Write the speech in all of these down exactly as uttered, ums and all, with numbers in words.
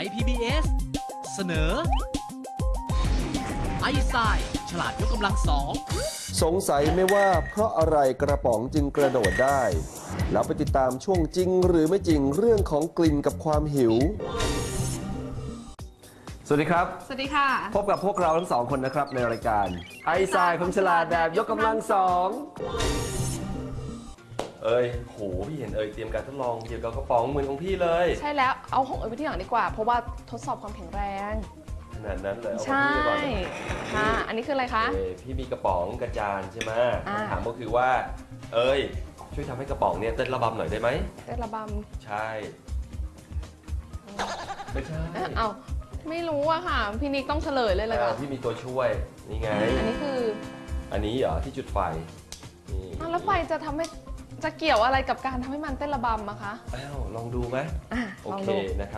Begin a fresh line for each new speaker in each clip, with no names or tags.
ย พี บี เอส เสนอไอซ์ไซด์ฉลาดยกกำลังสอง
สงสัยไหมว่าเพราะอะไรกระป๋องจึงกระโดดได้ แล้วไปติดตามช่วงจริงหรือไม่จริงเรื่องของกลิ่นกับความหิว สวัสดีครับ
สวัสดีค่ะ
พบกับพวกเราทั้งสองคนนะครับในรายการไอซ์ไซด์ความฉลาดแบบยกกำลังสองเอ้ยโหพี่เห็นเอ้ยเตรียมการทดลองเกี่ยวกับกระป๋องเหมือนของพี่เลย
ใช่แล้วเอาของเอ๋ยไปที่หลังดีกว่า เพราะว่าทดสอบความแข็งแรง
ขนาดนั้นเลยเอา
ใช่
ของพี่ก่อน
ค่ะอันนี้คืออะไรคะ
เอ้ยพี่มีกระป๋องกระจานใช่ไหม
อ่า
คำถามก็คือว่าเอ้ยช่วยทำให้กระป๋องเนี่ยเต้นระบำหน่อยได้ไหม
เต้นระบ
ใช่ไม่ใช่
ำเอ๊ะเอาไม่รู้อะค่ะ พี่นิกต้องเฉลยเลยเลย
อ่า
ค่ะ
พี่มีตัวช่วยนี่ไง
อันนี้คือ
อันนี้เหรอที่จุดไฟนี่
อ้าวแล้วไฟจะทำให้จะเกี่ยวอะไรกับการทำให้มันเต้นระบำอะคะ
อ้าวลองดูไหม
อ่ะ
โอ
ลอง
เค
ดู
นะครับ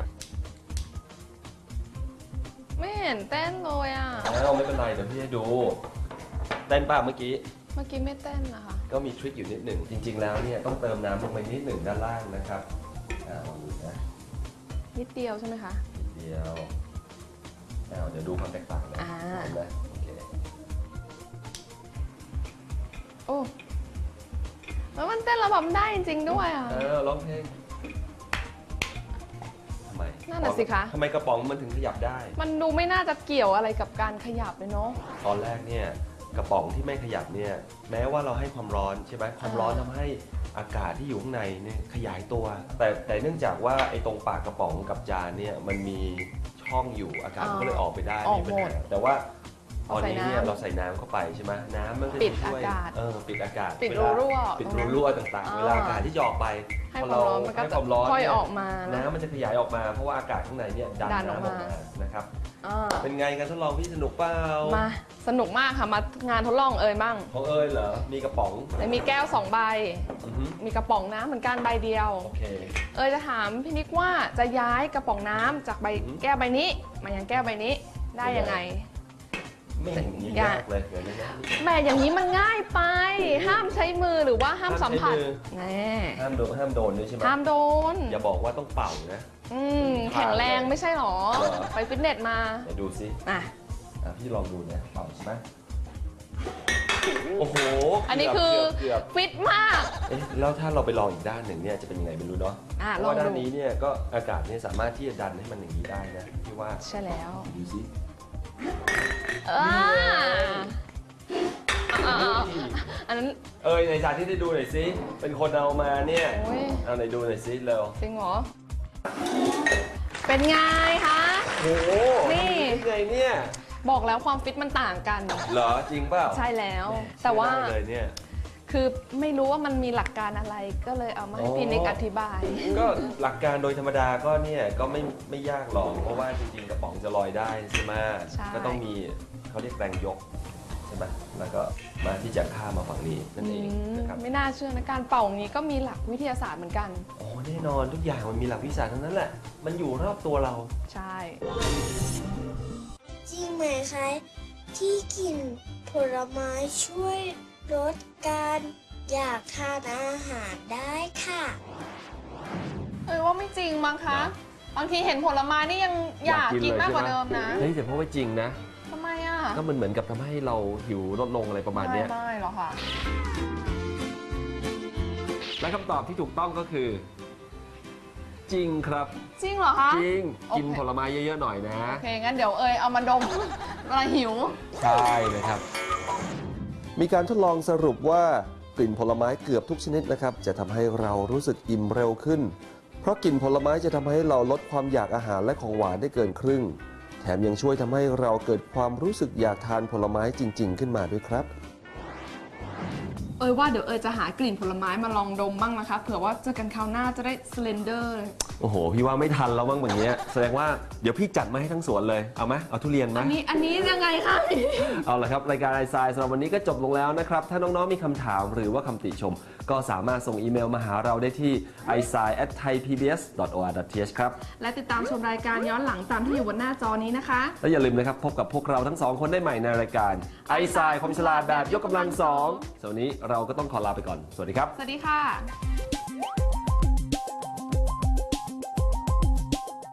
ไม่เห็นเต้นเลยอะ
อ้าวไม่เป็นไรเดี๋ยวพี่ให้ดูเต้นป่ะเมื่อกี้
เมื่อกี้ไม่เต้นนะคะ
ก็มีทริคอยู่นิดหนึ่งจริง ๆ แล้วเนี่ยต้องเติมน้ำลงไปนิดหนึ่งด้านล่างนะครับอ่าลองดูนะ
นิดเดียวใช่ไหมคะ
นิดเดียวอ้าวเดี๋ยวดูความแตกต่างนะ
อ่า
เห็นไหมโอเค
โอ้แล้วมันเต้นระบำได้จริงๆด้วยอะ
อ้าวร้องเพลงทำไม
นั่นน่ะสิคะ
ทำไมกระป๋องมันถึงขยับได้
มันดูไม่น่าจะเกี่ยวอะไรกับการขยับเลยเนาะ
ตอนแรกเนี่ยกระป๋องที่ไม่ขยับเนี่ยแม้ว่าเราให้ความร้อนใช่ไหมความร้อนทำให้อากาศที่อยู่ข้างในเนี่ยขยายตัว แต่แต่เนื่องจากว่าไอ้ตรงปากกระป๋องกับจานเนี่ยมันมีช่องอยู่อากาศมันก็เลยออกไปได้
ออก
ไม่
หม
เป็น
ด
ไรแต่ว่าตอนนี้เนี่ย
เอาใส่น้ำ
เราใส่น้ำเข้าไปใช่ไหมน้ำมันก็
ปิด
จะช่วย
อากาศ
เออปิดอากาศ
ปิด
เวลา
รั่ว
ปิด
ตรงนั้น
รั่วต่างๆ
อ่า
เวลาอากาศที่จะออกไป
ให้
พอ
ความ
เรา
ร้อนมันก็
ให้
จะ
ความร้อน
ค่อย
เนี่ย
ออกมานะ
น้ำมันจะขยายออกมาเพราะว่าอากาศข้างในเนี่ยดัน
ดันออก
น้ำออก
มา
มานะครับ
อ่า
เป็นไงการทดลองพี่สนุกเปล่า
มาสนุกมากค่ะมางานทดลองเอ่ยบ้าง
ของเอ้ยเหรอมีกระป๋อง
แต่มีแก้วสองใบ
อือฮึ
มีกระป๋องน้ำเหมือนกันใบเดียว
โอเค
เอ่ยจะถามพี่นิกว่าจะย้ายกระป๋องน้ำจากใบ
อืม
แก้วใบนี้ มายังแก้วใบนี้ได้ยังไง
ไม่เห็นมี
อย่า
ยากเลยเดี๋ยวนี้นะ
แหม่อย่างนี้มันง่ายไป ห้ามใช้มือหรือว่าห้ามสัมผัส
ห้ามใช้มือ
แน่
ห้ามโดนห้ามโดนด้วยใช่ไหม
ห้ามโดน
อย่าบอกว่าต้องเป่านะ
อืมแข็งแรงไม่ใช่หรอ
เหรอ
ไปฟิตเนสมา
เดี๋ยวดูซิ
อ่ะ
อ่ะพี่ลองดูนะเป่าใช่ไหมโอ้โห
อันนี้คือ
เกือบ
ฟิตมาก
เอ๊ะแล้วถ้าเราไปลองอีกด้านหนึ่งเนี่ยจะเป็นยังไงไม่รู้เนาะ
อ่ะ
เพ
ล
ราะ
อง
ว่าด้า
ดู
นนี้เนี่ยก็อากาศเนี่ยสามารถที่จะดันให้มันอย่างนี้ได้นะพี่ว่า
ใช่แล้ว
ดูซิ
อ่าอ่าอ่าอันนั้น
เอ้ยในจานที่ได้ดูหน่อยซิเป็นคนเอามาเนี่ย
โอ้ย
เอาไหนดูหน่อยซิเร็ว
จริงเหรอ เป็นไงคะ
โอ้โห
นี่
ทำได้ไงเนี่ย
บอกแล้วความฟิตมันต่างกัน
เหรอจริงเปล่า
ใช่แล้ว แต่ว่า
ใช้ได้เลยเนี่ย
คือไม่รู้ว่ามันมีหลักการอะไรก็เลยเอามาให้พี่นิกอธิบาย
ก็หลักการโดยธรรมดาก็เนี่ยก็ไม่ไม่ยากหรอกเพราะว่าจริงๆกระป๋องจะลอยได้ใช่ไหม
ใช่
ก็ต้องมีเขาเรียกแรงยกใช่ไหมแล้วก็มาที่จะข้ามมาฝั่งนี้นั่น
อื
เอง
ม
นะครับ
ไม่น่าเชื่อนะการเป่าอย่างนี้ก็มีหลักวิทยาศาสตร์เหมือนกัน
โอ้แน่นอนทุกอย่างมันมีหลักวิชาทั้งนั้นแหละ มันอยู่รอบตัวเรา
ใช่
จริงไหมคะ ที่กินผลไม้ช่วยลดการอยากทานอาหารได้ค่ะ
เอ้ยว่าไม่จริงมั้งคะ บางทีเห็นผลไม้นี่ยังอยากกินมากกว่าเดิมนะ
เฮ้ยแต่เพราะว่าจริงนะ
ทำไมอ่ะ
ก็มันเหมือนกับทำให้เราหิวลดลงอะไรประมาณเนี้ย
ไม่ไม่หรอกค่ะ
และคำตอบที่ถูกต้องก็คือ จริงครับ
จริงเหรอคะ
จริง
โอเค
กินผลไม้เยอะๆหน่อยนะ
โอเค งั้นเดี๋ยวเอยเอามาดม เวลาหิว
ใช่เลยครับ มีการทดลองสรุปว่ากลิ่นผลไม้เกือบทุกชนิดนะครับจะทำให้เรารู้สึกอิ่มเร็วขึ้น เพราะกลิ่นผลไม้จะทำให้เราลดความอยากอาหารและของหวานได้เกินครึ่ง แถมยังช่วยทำให้เราเกิดความรู้สึกอยากทานผลไม้จริง ๆ ขึ้นมาด้วยครับ
เอยว่าเดี๋ยวเอยจะหากลิ่นผลไม้มาลองดมบ้างนะคะ เผื่อว่าเจอกันคราวหน้าจะได้สเลนเดอร์เลย
โอ้โห พี่ว่าไม่ทันแล้วบ้างแบบนี้แสดงว่าเดี๋ยวพี่จัดมาให้ทั้งสวนเลย เอาไหมเอาทุเรียนไหม
อันนี้อันนี้ยังไงคะ
เอาละครับ รายการไอซายสำหรับวันนี้ก็จบลงแล้วนะครับ ถ้าน้องๆมีคำถามหรือว่าคำติชม ก็สามารถส่งอีเมลมาหาเราได้ที่ ไอซาย แอท ไทยพีบีเอส ดอท โอ อาร์ ดอท ที เอช ครับ
และติดตามชมรายการย้อนหลังตามที่อยู่บนหน้าจอนี้นะคะ
และอย่าลืมนะครับ พบกับพวกเราทั้งสองคนได้ใหม่ในรายการไอซายความฉลาดแบบยกกำลังสองส่วนวันนี้เราก็ต้องขอลาไปก่อน สวัสดีครับ
สวัสดีค่ะ